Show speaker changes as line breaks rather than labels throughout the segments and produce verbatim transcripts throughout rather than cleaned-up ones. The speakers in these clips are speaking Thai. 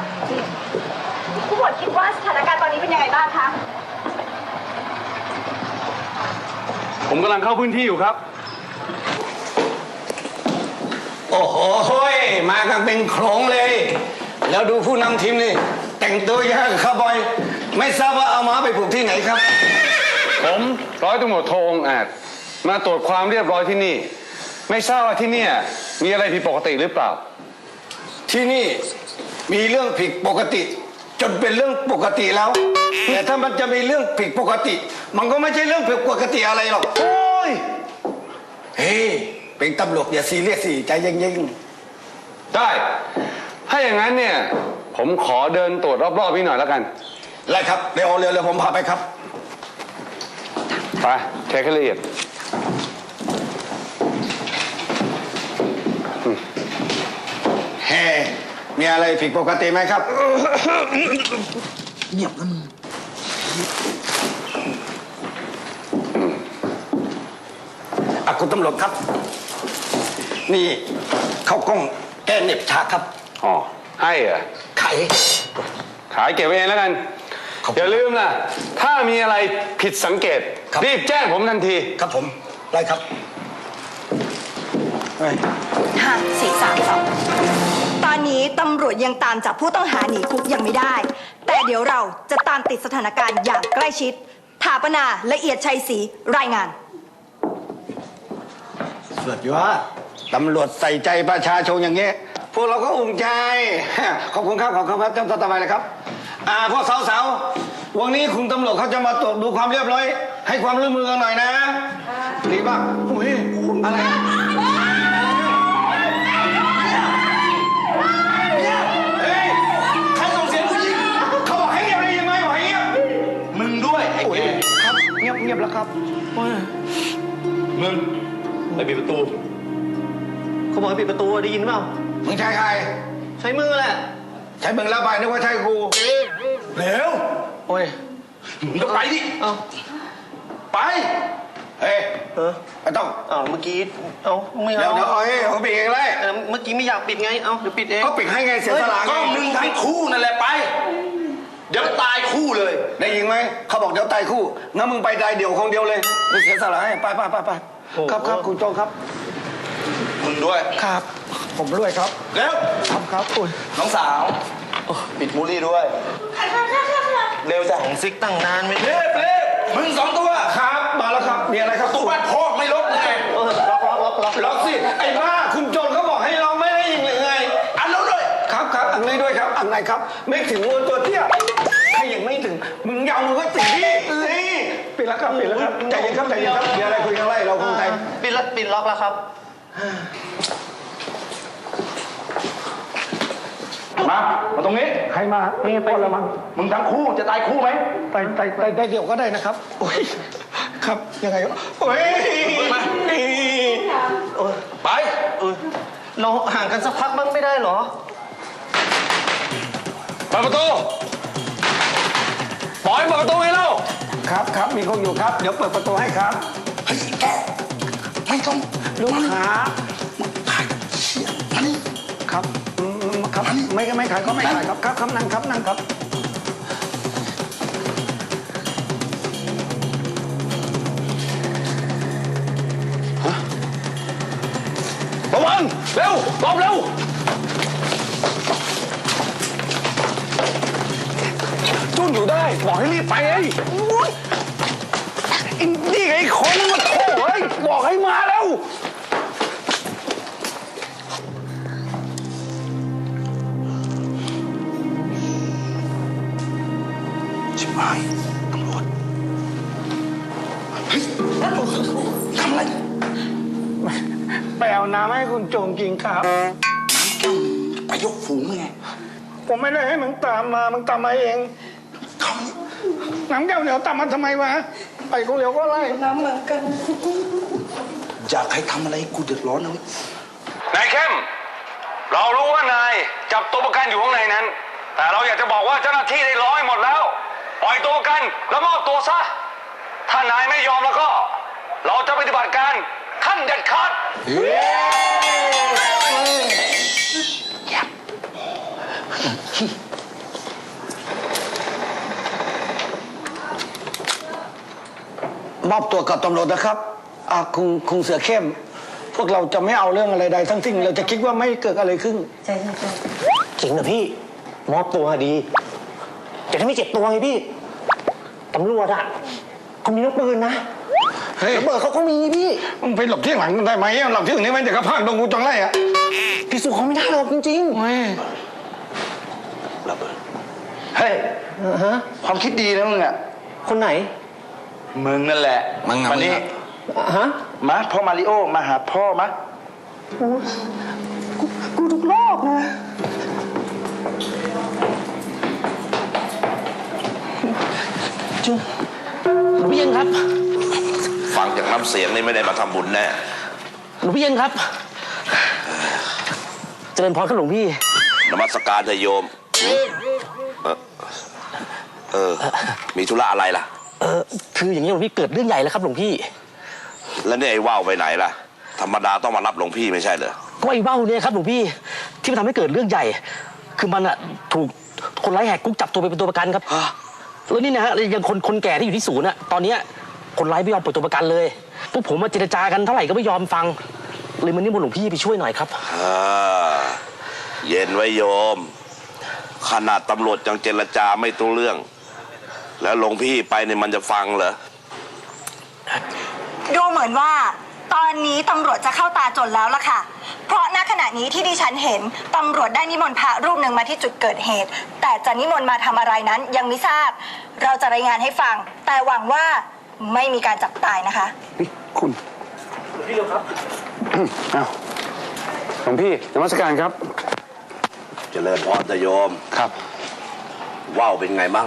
ผู้หมวดคิดว่าสถานการณ์ตอนนี้เป็นยังไงบ้างคะ
ผมกำลังเข้าพื้นที่อยู่ครับ
โอ้โหมากันเป็นโขลงเลย แล้วดูผู้นำทีมนี่แต่งตัวยากคาร์บอยไม่ทราบว่าเอาม้าไปผูกที่ไหนครับ
ผมร้อยตำรวจโทองอาจมาตรวจความเรียบร้อยที่นี่ไม่ทราบว่าที่นี่มีอะไรผิดปกติหรือเปล่า
ที่นี่มีเรื่องผิดปกติจนเป็นเรื่องปกติแล้วแต่ถ้ามันจะมีเรื่องผิดปกติมันก็ไม่ใช่เรื่องผิดปกติอะไรหรอกโอ้ยเฮ้เป็นตำรวจอย่าซีเรียสสิใจเย็น
ๆได้ถ้าอย่างนั้นเนี่ยผมขอเดินตรวจรอบๆพี่หน่อยแล้วกัน
ไล่ครับเร็วเร็วเร็วผมพาไปครับ
ไปเช็คให้ละเอียด
เฮ้มีอะไรผิดปกติไหมครับ
เงียบแล้วมึง
อ่ะคุณตำรวจครับนี่เขากล้องแก้เน็บชาครับ
อ๋อให้เหรอ
ขาย
ขายเก็บไว้เองแล้วกันอย่าลืมนะถ้ามีอะไรผิดสังเกตรีบแจ้งผมทันที
ครับผมไล่ครับ
ห้าสี่สามสองตอนนี้ตำรวจยังตามจับผู้ต้องหาหนีคุกยังไม่ได้แต่เดี๋ยวเราจะตามติดสถานการณ์อย่างใกล้ชิดถาปนาละเอียดชัยศรีรายงาน
สุดยอดตำรวจใส่ใจประชาชนอย่างเงี้ยพวกเราก็อุ่นใจขอบคุณครับขอบคุณครับจำต่อไปเลยครับอ่าพวกสาวๆวันนี้คุณตำรวจเขาจะมาตรวจดูความเรียบร้อยให้ความร่วมมือกันหน่อยนะดีป่ะอุ้ยอะไรเฮ้ยใครส่งเสียงผู้หญิงเขาบอกให้เงียบเลยยังไงบอกให้เงียบ
มึงด้วยไอ้เก๋
ครับเงียบเงียบแล้วครับ
มึงไปปิดประตูเขาบอกให้ปิดประตูได้ยินเปล่า
มึงใช่ใคร
ใช้มือแหละ
ใช้มึงแล้วไปนึกว่าใช่กูเร็ว
โอ้ย
มึงก็ไปดิ
เอา
ไปเฮ้ย
เออ
ไม่ต้อง
เอาเมื่อกี้เอาไม่เอา
เดี๋ยวเอ้ยเขาปิดเองเลย
เมื่อกี้ไม่อยากปิดไงเอาเดี๋ยวปิดเอง
ก็ปิดให้ไงเสียสละ
ก็มึงทั้งคู่นั่นแหละไปเดี๋ยวตายคู่เลย
ได้ยินไหมเขาบอกเดี๋ยวตายคู่งั้นมึงไปตายเดี่ยวคนเดียวเลยไม่เสียสละให้ไปไปไปไปครับครับคุณโจครับ
มึงด้วย
ครับผมด้วยครับ
เร็ว
ครับครับอุ้ย
น้องสาวปิดมูลี่ด้วยเร็วจ้ะของซิกตั้งนานไม่
เร็วเร็วมึงสองตัวครับมาแล้วครับมีอะไรครับ
ตู้บ้านพ่อไม่ล็อกไงล็อกล็อกล็อกล็อก
ล็อกสิไอ้บ้าคุณโจรเขาบอกให้ล็อกไม่ได้ยังไง
อันนู้นด้วย
ครับครับอันนี้ด้วยครับอันไหนครับไม่ถึงวัวตัวเตี้ยใครยังไม่ถึงมึงยาวมึงก็ติดนี่นี่ปิดแล้วครับปิดแล้วครับใจเย็นครับใจเย็นครับมีอะไรคุยกันไล่เราคงใจ
ปิดแล้วปิดล็อกแล้วครับ
มามาตรงนี้
ใครมา
นี่ไปแล้วมั้งมึงทั้งคู่จะตายคู่ไหม
ไปไปไปได้เดี๋ยวก็ได้นะครับโอ้ยครับยังไงโอ้ย
มาไปเออเราห่างกันสักพักบ้างไม่ได้หรอ
เปิดประตูปล่อยเปิดประตูให้เรา
ครับครับมีคนอยู่ครับเดี๋ยวเปิดประตูให้ครับ
เฮ้ยแกไม่ต้อง
ลูกค้า
ขายเชี่ยมานี่
ครับครับไม่ไม่ขายก็ไม่ขายครับครับครับนั่งครับนั่งครับ
ระวังเร็วรอบเร็วจุ้นอยู่ได้บอกให้รีบไปไอ้นี่ไอ้คนมาโถ่เฮ้ยบอกให้มาแล้ว
ชิบหายตำรวจเฮ้ยทำอะไร
ไปเอาน้ำให้คุณโจงกินครับ
ไปยกฝูงไง
ผมไม่ได้ให้มึงตามมามึงตามมาเองน้ำแก้วเหนียวตามมาทำไมวะไปกูเหลียวก็ไล่น้ำเหมือนกัน
อยากให้ทำอะไรกูเดือดร้อนนะ
นายเข้มเรารู้ว่านายจับตัวประกันอยู่ข้างในนั้นแต่เราอยากจะบอกว่าเจ้าหน้าที่ได้ร้อยหมดแล้วปล่อยตัวประกันแล้วมอบตัวซะถ้านายไม่ยอมแล้วก็เราจะปฏิบัติการขั้นเด็ดขาด
มอบตัวกับตำรวจนะครับอ่าคุณคุณเสือเข้ม พวกเราจะไม่เอาเรื่องอะไรใดทั้งสิ้นเราจะคิดว่าไม่เกิดอะไรขึ้น
ใช่ใช่ใช่
จริงเหรอพี่มอบตัวดีแต่ถ้าไม่เจ็บตัวไงพี่ตำรวจอะเขามีลูกปืนนะ
เฮ้ย
ระเบิดเขาก็มีพี่
มึงไปหลบที่หลังได้ไหมหลบที่อื่นนี่มันจะกระพากดงกูจังไรอ่ะ
พี่สู้เขาไม่ได้หรอกจริง
เฮ้ย
ระเบิด
เฮ้ย
ๆอ่าฮะ
ความคิดดีนะมึงอ่ะ
คนไหน
มึงนั่นแหละ
มึงอะ
มานี่
มึงอะ
อ่าฮะ
มาพ่อมาริโอมาหาพ่อมา
กูกูทุกรอบนะจุหลวงพี่เย็นครับ
ฟังจากน้ำเสียงนี่ไม่ได้มาทำบุญแน่
หลวงพี่เย็นครับเจริญพรครับหลวงพี่
นมัสการเถอะโยม เออเออ มีธุระอะไรล่ะ
เออคืออย่างนี้หลวงพี่เกิดเรื่องใหญ่แล้วครับหลวงพี่
แล้วเนี่ยไอ้ว่าวไปไหนล่ะ ธรรมดาต้องมารับหลวงพี่ไม่ใช่เหรอ
ก็ไอ้เบ้าเนี่ยครับหลวงพี่ที่มันทำให้เกิดเรื่องใหญ่ คือมันอะถูกคนร้ายแหกคุกจับตัวไปเป็นตัวประกันครับแล้วนี่นะฮะยังคนคนแก่ที่อยู่ที่ศูนย์อะตอนเนี้ยคนร้ายไม่ยอมปล่อยตัวประกันเลยพวกผมมาเจรจากันเท่าไหร่ก็ไม่ยอมฟังเลยมันนี่มนต์หลวงพี่ไปช่วยหน่อยครับ
อ่า เย็นไว้โยม ขนาดตำรวจยังเจรจาไม่รู้เรื่อง แล้วหลวงพี่ไปเนี่ยมันจะฟังเหรอ
ดูเหมือนว่า ตอนนี้ตำรวจจะเข้าตาจนแล้วล่ะค่ะ เพราะณขณะนี้ที่ดิฉันเห็นตำรวจได้นิมนต์พระรูปหนึ่งมาที่จุดเกิดเหตุ แต่จะนิมนต์มาทำอะไรนั้นยังไม่ทราบ เราจะรายงานให้ฟัง แต่หวังว่าไม่มีการจับตายนะคะ
นี่คุณ
พี่เร็วครับ
อ้าวหลวงพี่นมัสการครับ
เจริญพรเถอะโยม
ครับ
ว่าวเป็นไงมั่ง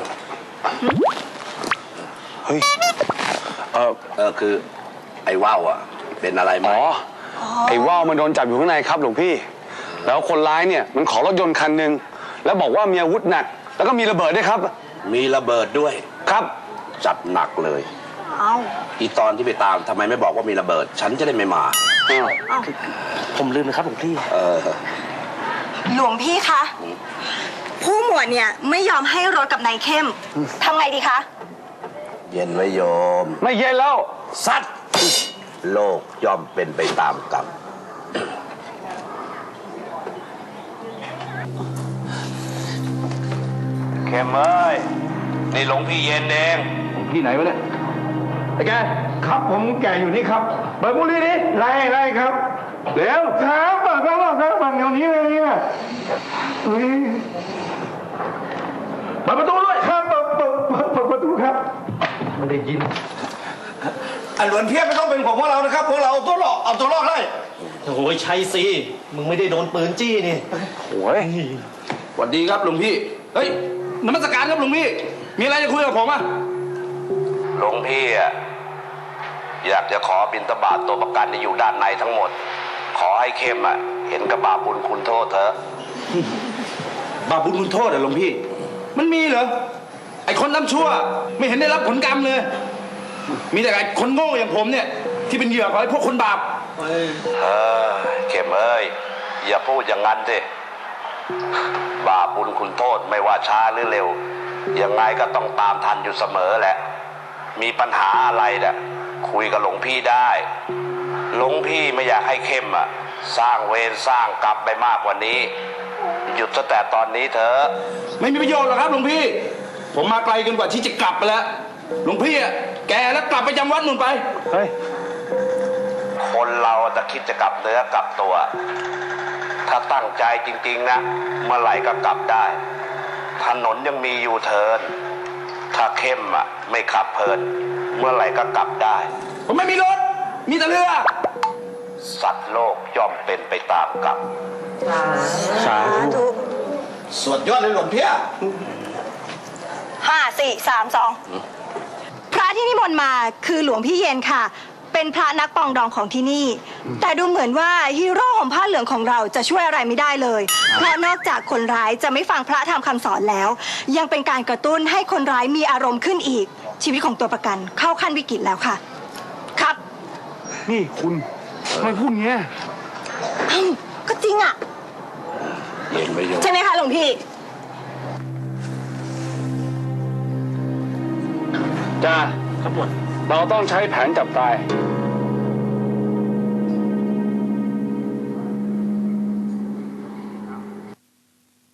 เฮ้ยเออ
เออคือ ไอ้ว่าวอ่ะ เป็นอะไรไหม
อ๋อ ไอ้ว่าวมันโดนจับอยู่ข้างในครับหลวงพี่ แล้วคนร้ายเนี่ยมันขอรถยนต์คันหนึ่งแล้วบอกว่ามีอาวุธหนัก แล้วก็มีระเบิดด้วยครับ
มีระเบิดด้วย
ครับ
จัดหนักเลย
เอา
อีตอนที่ไปตามทำไมไม่บอกว่ามีระเบิด ฉันจะได้ไม่มา
ผมลืมนะครับหลวงพี่
เออ
หลวงพี่คะ ผู้หมวดเนี่ยไม่ยอมให้รถกับนายเข้มทำไงดีคะ
เย็นไว้โยม
ไม่เย็นแล้ว
สัตว์ โลกย่อมเป็นไปตามกรรม เข้มเอ้ย นี่หลวงพี่เย็นเอง
พี่ไหนวะเนี่ยไอ้แกครับผมแกอยู่นี่ครับเปิดบุหรี่ดิไล่ไล่ครับเร็วครับเปิดครับเปิดครับเดี๋ยวนี้เลยเนี่ยเฮ้ยเปิดประตูด้วยครับเปิดเปิดเปิดประตูครับไม่ได้ยินอันหลวนเพียบไม่ต้องเป็นของพวกเรานะครับพวกเราเอาตัวรอดเอาตัวรอดได้
โอ้ยชัยสิมึงไม่ได้โดนปืนจี้นี่
โอ้ย
สวัสดีครับหลวงพี่ เฮ้ยนมัสการครับหลวงพี่ มีอะไรจะคุยกับผมอ่ะ
หลวงพี่อะอยากจะขอบิณฑบาตตัวประกันที่อยู่ด้านในทั้งหมด ขอให้เข้มอะเห็นกับบาปบุญคุณโทษเถอะ
บาปบุญคุณโทษเหรอหลวงพี่ มันมีเหรอ ไอ้คนทำชั่ว ไม่เห็นได้รับผลกรรมเลย มีแต่ไอ้คนโง่อย่างผมเนี่ย ที่เป็นเหยื่อของไอ้พวกคนบาป
เออเข้มเอ้ย อย่าพูดอย่างนั้นสิบาปบุญคุณโทษไม่ว่าช้าหรือเร็ว ยังไงก็ต้องตามทันอยู่เสมอแหละ มีปัญหาอะไรเนี่ยคุยกับหลวงพี่ได้ หลวงพี่ไม่อยากให้เข้มอะสร้างเวรสร้างกรรมไปมากกว่านี้ หยุดซะแต่ตอนนี้เถอะ
ไม่มีประโยชน์หรอกครับหลวงพี่ ผมมาไกลเกินกว่าที่จะกลับไปแล้ว หลวงพี่อะแกแล้วกลับไปจำวัดนู่นไป
เฮ้ย
คนเราจะคิดจะกลับเนื้อกลับตัว ถ้าตั้งใจจริงๆนะเมื่อไหร่ก็กลับได้ ถนนยังมีอยู่เทิร์นถ้าเข้มอ่ะไม่ขับเพลิน เมื่อไหร่ก็กลับได้
ผมไม่มีรถ มีแต่เรือ
สัตว์โลกย่อมเป็นไปตามกรรม
สาธุ
สวดยอดเลยหลวงเพีย
ห้าสี่สามสองพระที่นิมนต์มาคือหลวงพี่เย็นค่ะ เป็นพระนักปองดองของที่นี่ แต่ดูเหมือนว่าฮีโร่ห่มผ้าเหลืองของเราจะช่วยอะไรไม่ได้เลย เพราะนอกจากคนร้ายจะไม่ฟังพระธรรมคำสอนแล้ว ยังเป็นการกระตุ้นให้คนร้ายมีอารมณ์ขึ้นอีก ชีวิตของตัวประกันเข้าขั้นวิกฤตแล้วค่ะ ครับ
นี่คุณทำไมพูดอย่างเงี้ย
อืมก็จริงอ่ะ
เย็นไปโยม
ใช่ไหมคะหลวงพี่
จ้า
ครับหมวด
เราต้องใช้แผนจับตาย